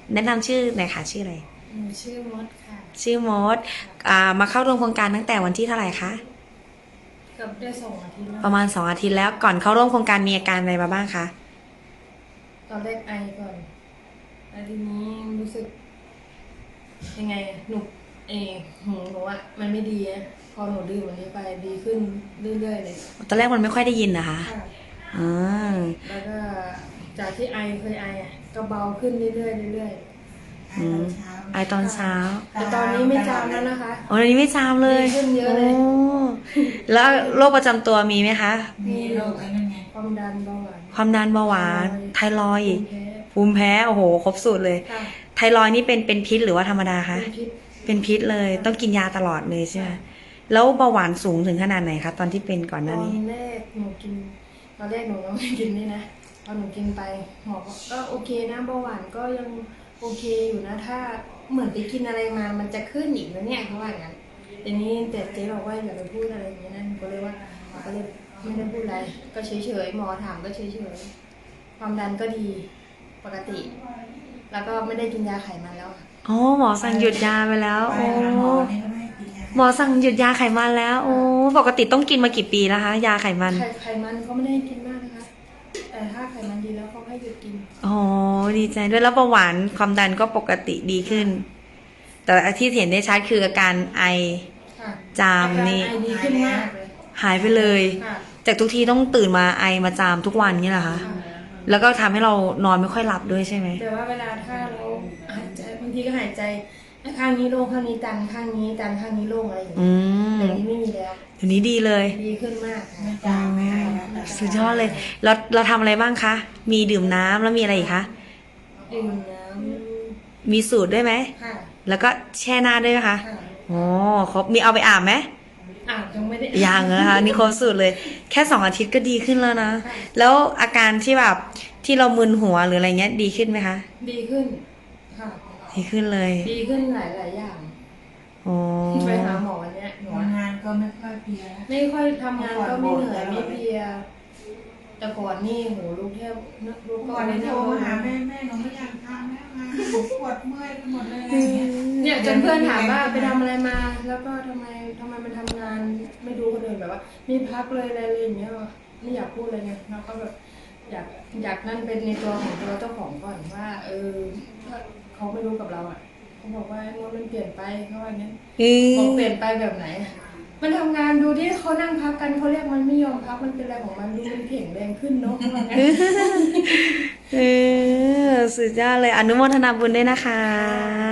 แนะนำชื่อหน่อยค่ะชื่ออะไรหนูชื่อมดค่ะชื่อมดมาเข้าร่วมโครงการตั้งแต่วันที่เท่าไหร่คะเกือบได้2 อาทิตย์แล้วประมาณ2 อาทิตย์แล้วก่อนเข้าร่วมโครงการมีอาการอะไรมาบ้างคะตอนแรกไอก่อนแล้วทีนี้รู้สึกยังไงหนูหูหนูอะมันไม่ดีอะพอหนูดื่มอันนี้ไปดีขึ้นเรื่อยๆเลยตอนแรกมันไม่ค่อยได้ยินนะคะค่ะอ่าแล้วก็จากที่เคยไออะก็เบาขึ้นเรื่อยๆเรื่อยอืมไอตอนเช้าๆแต่ตอนนี้ไม่จามแล้วนะคะโอ้ตอนนี้ไม่จามเลยดีขึ้นเยอะเลยโอ้แล้วโรคประจำตัวมีไหมคะมีโรคอะไรนั่นไงความดันเบาหวานความดันเบาหวานไทรอยด์ภูภูมิแพ้มิแพ้โอ้โหครบสูตรเลยค่ะไทรอยด์นี่เป็นพิษหรือว่าธรรมดาคะเป็นพิษเป็นพิษเลยต้องกินยาตลอดเลยใช่ไหมแล้วเบาหวานสูงถึงขนาดไหนคะตอนที่เป็นก่อนหตน้าอนนี้แรกหนูกินตอนแรกหนูก็ไม่กินนี่นะพอหนูกินไปหมอก็โอเคนะเบาหวานก็ยังโอเคอยู่นะถ้าเหมือนไปกินอะไรมามันจะขึ้นอีกนะเนี่ยเขาว่าอย่างนั้นแต่นี้แต่เจ๊บอกว่าอย่าไปพูดอะไรอย่างนี้นะหนูก็เลยว่าก็เลยไม่ได้พูดอะไรก็เฉยๆหมอถามก็เฉยๆความดันก็ดีปกติ แล้วก็ไม่ได้กินยาไขมันแล้วค่ะอ๋อหมอสั่งหยุดยาไปแล้วโอ้หมอสั่งหยุดยาไขมันแล้วโอ้ปกติต้องกินมากี่ปีแล้วคะยาไขมันไขมันเขาไม่ได้กินมากนะคะแต่ถ้าไขมันดีแล้วเขาให้หยุดกินอ๋อดีใจด้วยแล้วเบาหวานความดันก็ปกติดีขึ้น แต่ที่เห็นได้ชัดคืออาการไอค่ะจามนี่อาการไอดีขึ้นมากเลยหายไปเลยค่ะจากทุกทีต้องตื่นมาไอมาจามทุกวันนี่แหละคะค่ะแล้วก็ทำให้เรานอนไม่ค่อยหลับด้วยใช่ไหมแต่ว่าเวลาถ้าเราหายใจบางทีก็หายใจข้างนี้โล่งข้างนี้ตันข้างนี้ตันข้างนี้โล่งอะไรอย่างอืเงี้ยมเดี๋ยวนี้ไม่มีแล้วเดี๋ยวนี้ดีเลยดีขึ้นมากค่ะอ๋อสุดยอดเลยเราทำอะไรบ้างคะ มีดื่มน้ำแล้วมีอะไรอีกคะดื่มน้มีสูตรด้วยไหมำค่ะแล้วก็แช่หน้าด้วยไหมคะค่ะอ๋อครบมีเอาไปอาบไหมยังไม่ได้ยังนะคะนี่ครบสูตรเลย แค่2 อาทิตย์ก็ดีขึ้นแล้วนะค่ะแล้วอาการที่แบบที่เรามึนหัวหรืออะไรเงี้ยดีขึ้นไหมคะดีขึ้นค่ะดีขึ้นเลยดีขึ้นหลายอย่างอ๋อไปหาหมอวันเนี้ยหนูทำงานก็ไม่ค่อยเพลียไม่ค่อยทำงานก็ไม่เหนื่อยไม่เพลียแต่ก่อนนี่โหลูกแทบลูกก็ก่อนไม่นี้แทโทรบมาหาแม่หนูไม่อยากทำแล้วงานหนูปวดเมื่อยไปหมดเลยอะไรอย่างเงี้ยเนี่ยจนเพื่อนถามว่าไปทำอะไรมา แล้วก็ทำไมมันทำงานไม่ดูคนอื่นแบบว่ามีพักเลยอะไรเลยอย่างเงี้ยไม่อยากพูดเลยไงแล้วก็แบบอยากนั่นเป็นในตัวของตัวเจ้าของก่อนว่า ถ้าเขาไม่รู้กับเราอ่ะเขาบอกว่าโน้ตมันเปลี่ยนไปเขาว่าอย่างเงี้ยอืบอกเปมลี่ยนไปแบบไหน มันทำงานดูที่เขานั่งพักกันเขาเรียกมันไม่ยอมพักมันเป็นอะไรของมันดูมันแข็งแรงขึ้นเนาะเขาว่างั้นสุดยอดเลยอนุโมทนาบุญด้วยนะคะ